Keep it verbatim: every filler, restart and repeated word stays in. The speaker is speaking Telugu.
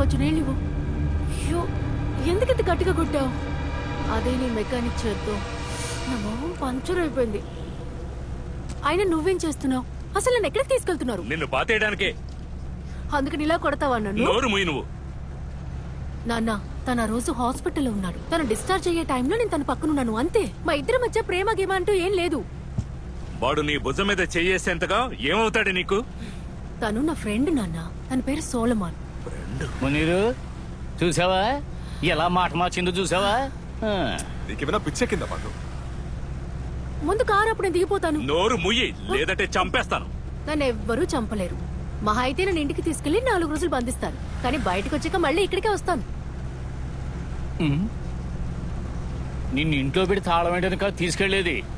కొంచెం నీళ్ళు ఇవ్వు. అయ్యో, ఎందుకింత గట్టిగా కొట్టావు? అదే నీ మెకానిక్ చేత్తో నా మొహం పంచర్ అయిపోయింది. అయినా నువ్వేం చేస్తున్నావు? అసలు నన్ను ఎక్కడికి తీసుకెళ్తున్నారు? నిన్ను పాతేయడానికే. అందుకని ఇలా కొడతావా నన్ను? నోరు మూయి నువ్వు. నాన్న, తన రోజు హాస్పిటల్లో ఉన్నాడు. తను డిశ్చార్జ్ అయ్యే టైంలో నేను తన పక్కనున్నాను, అంతే. మా ఇద్దరి మధ్య ప్రేమ గేమ అంటూ ఏం లేదు. వాడు నీ భుజం మీద చెయ్యేసేంతగా ఏమవుతాడు నీకు? తను నా ఫ్రెండ్ నాన్న. తన పేరు సోలమాన్. మునీరు, చూసావా ఎలా మాట మార్చిందో? చూసావా? నీకేమైనా పిచ్చే కింద పాటు. ముందు కారు అప్పుడు నేను దిగిపోతాను. నోరు ముయ్యి, లేదంటే చంపేస్తాను. నన్ను ఎవ్వరూ చంపలేరు. మహా అయితే నన్ను ఇంటికి తీసుకెళ్లి నాలుగు రోజులు బంధిస్తాను. కానీ బయటకు వచ్చాక మళ్ళీ ఇక్కడికే వస్తాను. నిన్ను ఇంట్లో పెట్టి తాళం ఏంటని కాదు తీసుకెళ్లేది.